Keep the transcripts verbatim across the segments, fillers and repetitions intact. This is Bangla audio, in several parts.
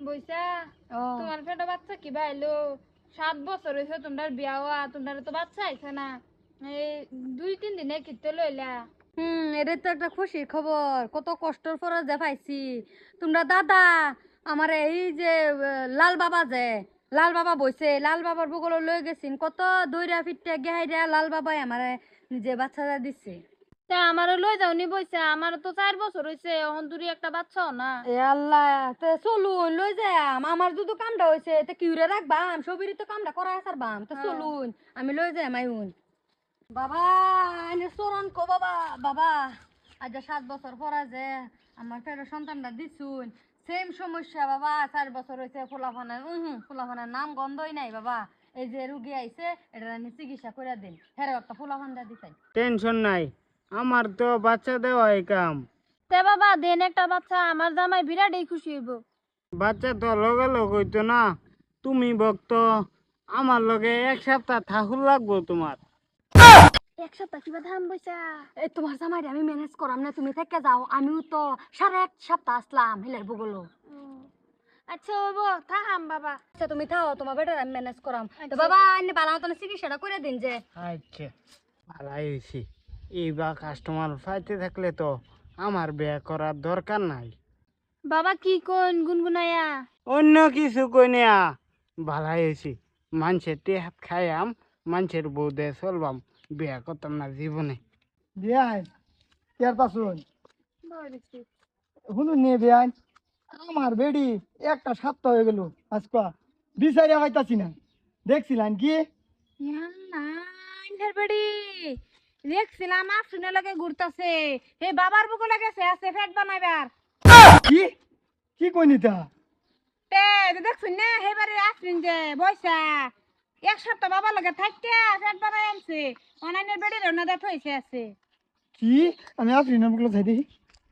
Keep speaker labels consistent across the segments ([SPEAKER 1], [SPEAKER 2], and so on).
[SPEAKER 1] বইসা তোমার পেটে বাচ্চা কিবা এলো সাত বছর হয়েছে তোমার বিয়া হওয়া তোমার তো বাচ্চা আইছে না এই দুই তিন দিনে কিতে লইলা।
[SPEAKER 2] হুম এটা তো একটা খুশির খবর, কত কষ্টর পর যে পাইছি। তোমরা দাদা আমার এই যে লাল বাবা যে লাল বাবা বইছে, লাল বাবার বগলে লই গেছিন, কত দইরা ফিরতে গেহাইরা লাল বাবাই আমার নিজে বাচ্চাটা দিচ্ছে।
[SPEAKER 1] তা আমারও লই যাওনি বইসা, আমার তো চার বছর হয়েছে এখন দূরে একটা বাচ্চাও না।
[SPEAKER 2] এ আল্লাহ, তে চলুন লই যাম, আমার যদি কামটা হয়েছে তে কিউরে রাখবাম, সবিরই তো কামটা করা সারবাম, তো চলুন আমি লই যাই মাইউন। বাবা এনে চরণ কো বাবা, বাবা আজ সাত বছর পরা যে আমার পেটের সন্তানটা দিছুন, সেম সমস্যা বাবা, চার বছর হয়েছে ফোলাফানের উহু ফোলাফানের নাম গন্ধই নাই বাবা। এই যে রুগী আইছে এটা আমি চিকিৎসা করে দিন, হেরে একটা ফোলাফানটা দিতাই।
[SPEAKER 3] টেনশন নাই, আমার তো বাচ্চা দেওয়াই কাম।
[SPEAKER 1] তে বাবা দেন একটা বাচ্চা, আমার জামাই বিরাটই খুশি হইব।
[SPEAKER 3] বাচ্চা তো লগে লগ হইতো না, তুমি ভক্ত আমার লগে এক সপ্তাহ থাকুর লাগবো তোমার।
[SPEAKER 1] এক সপ্তাহ কিবা ধান বইসা।
[SPEAKER 2] এই তোমার জামাইরে আমি ম্যানেজ করাম না, তুমি থেকে যাও, আমিও তো সাড়ে এক সপ্তাহ আসলাম হেলার বগলো।
[SPEAKER 1] আচ্ছা হইব থাকাম বাবা।
[SPEAKER 2] আচ্ছা তুমি থাও, তোমার বেটার আমি ম্যানেজ করাম। তো
[SPEAKER 1] আচ্ছা।
[SPEAKER 2] বাবা এনে বালা মতন চিকিৎসাটা করে দিন যে।
[SPEAKER 3] আচ্ছা ভালাই হয়েছি, এইবার কাস্টমার পাইতে থাকলে তো আমার বিয়ে করার দরকার নাই।
[SPEAKER 1] বাবা কি কোন গুনগুনায়া?
[SPEAKER 3] অন্য কিছু কই না, ভালাই হয়েছি, মানুষের টেহাত খাইয়াম, মানুষের বউ দিয়ে চলবাম, বিয়ে করতাম না জীবনে।
[SPEAKER 4] বিয়াই কেয়ার পাশুন শুনুন নিয়ে বিয়াই, আমার বেডি একটা সপ্তাহ হয়ে গেল আজকা বিচারিয়া পাইতাছি না, দেখছিলেন কি
[SPEAKER 1] দেখছিলাম আফরিনের লগে ঘুরতাছে, হে বাবার বুকে গেছে আছে ফ্যাট বানাইবার।
[SPEAKER 4] কি কি কইনি তা?
[SPEAKER 1] তে দেখছুন না হেবারে আফরিন যে বইসা এক সপ্তাহ বাবার লগে থাকতে ফ্যাট বানাই আনছে, অনাইনের বেড়ি রওনা দেখ হইছে আছে।
[SPEAKER 4] কি আমি আফরিনের বুকলো যাই দেখি।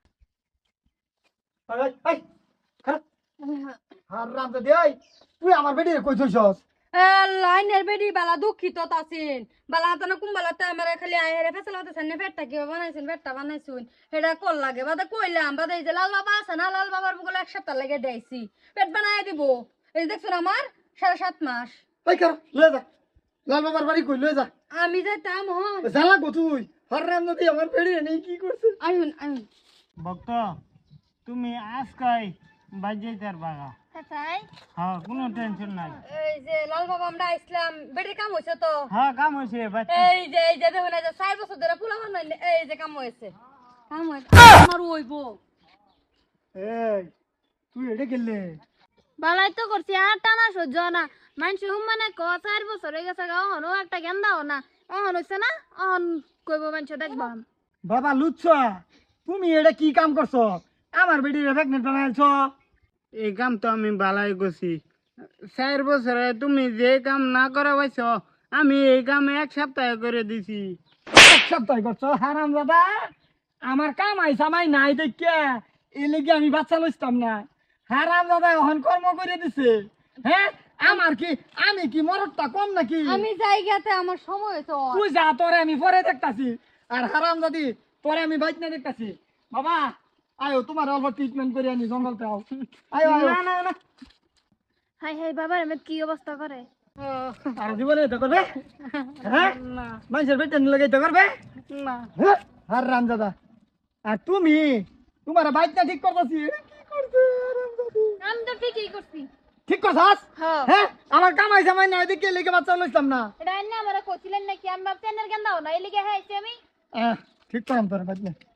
[SPEAKER 4] হারাম দাদি, তুই আমার বেডি কই থইছস?
[SPEAKER 2] লাইনের বেডি বালা দুঃখিত আছেন, বালা তো না কুম্বালাতে আমার খালি আইরে ফেসলা হতে সামনে ফেটটা কি বানাইছেন, ফেটটা বানাইছুন হেডা কল লাগে বাদা কইলাম, বাদা এই যে লাল বাবা আছে না, লাল বাবার বগলে এক সপ্তাহ লাগে দেইছি, পেট বানাই দিব। এই দেখছুন আমার সাড়ে সাত মাস।
[SPEAKER 4] এই কর লয়ে যা, লাল বাবার বাড়ি কই লয়ে যা।
[SPEAKER 2] আমি যাইতাম হন
[SPEAKER 4] জালা গো তুই, হারাম দাদি আমার বেডি নেই কি করছে?
[SPEAKER 2] আইন আইন।
[SPEAKER 3] ভক্ত তুমি আজকাই বাজাইতার বাগা,
[SPEAKER 1] তাই
[SPEAKER 3] হ্যাঁ কোনো টেনশন নাই।
[SPEAKER 2] এই যে লাল বাবা আমরা আইছিলাম, বেডির কাম হইছে তো।
[SPEAKER 3] হ্যাঁ কাম হয়েছে বাচ্চা।
[SPEAKER 2] এই যে এই যে দেখুন, এই যে চার বছর ধরে পোলা বানাই, এই যে কাম হয়েছে, কাম হয়েছে আমার হইব।
[SPEAKER 4] এই তুই এটা গেলে
[SPEAKER 1] বালাই তো করছি আর টানা সহ্য না, মানুষ হুম মানে ক চার বছর হয়ে গেছে গা, অহনও একটা জ্ঞান দাও না, অহন হইছে না অহন কইব মানুষ দেখবাম।
[SPEAKER 4] বাবা লুচ্ছা, তুমি এটা কি কাম করছো? আমার বেডি প্রেগনেন্ট বানাইছ?
[SPEAKER 3] এই কাম তো আমি বালাই করছি, চার বছরে তুমি যে কাম না করা পাইছ আমি এই কাম এক সপ্তাহে করে দিছি।
[SPEAKER 4] এক সপ্তাহ করছো হারাম দাদা, আমার কাম আইসা মাই নাই দেখিয়া এই লেগে আমি বাচ্চা লইতাম না। হারাম দাদা এখন কর্ম করে দিছে। হ্যাঁ আমার কি, আমি কি মরদটা কম নাকি?
[SPEAKER 2] আমি জায়গাতে আমার সময় হয়েছে।
[SPEAKER 4] তুই যা, তোরে আমি পরে দেখতাছি। আর হারাম দাদি তোরে আমি বাইক না দেখতাছি। বাবা আয়ো তোমার অল্প ট্রিটমেন্ট করে আনি জঙ্গলতে আও। আয়ো আয়ো।
[SPEAKER 3] না না না,
[SPEAKER 1] হাই হাই বাবার এমন কি অবস্থা করে।
[SPEAKER 4] আর জীবনে এটা করবে? হ্যাঁ মানুষের বেতন লাগাই তো করবে
[SPEAKER 3] না
[SPEAKER 4] হ্যাঁ? হারাম দাদা, আর তুমি তোমার বাইকটা ঠিক করতেছি। কি করছে হারাম দাদি?
[SPEAKER 1] আমি তো ঠিকই করছি।
[SPEAKER 4] ঠিক করছাস?
[SPEAKER 1] হ্যাঁ
[SPEAKER 4] হ্যাঁ আমার কামাই জামাই নাই দেখে লেগে বাচ্চা লইতাম না।
[SPEAKER 1] এটা এনে আমার কইছিলেন নাকি আমি ভাবছি এনের জ্ঞান দাও না, এই লিগে হ্যাঁ আমি
[SPEAKER 4] আহ, ঠিক করাম তোর বাইক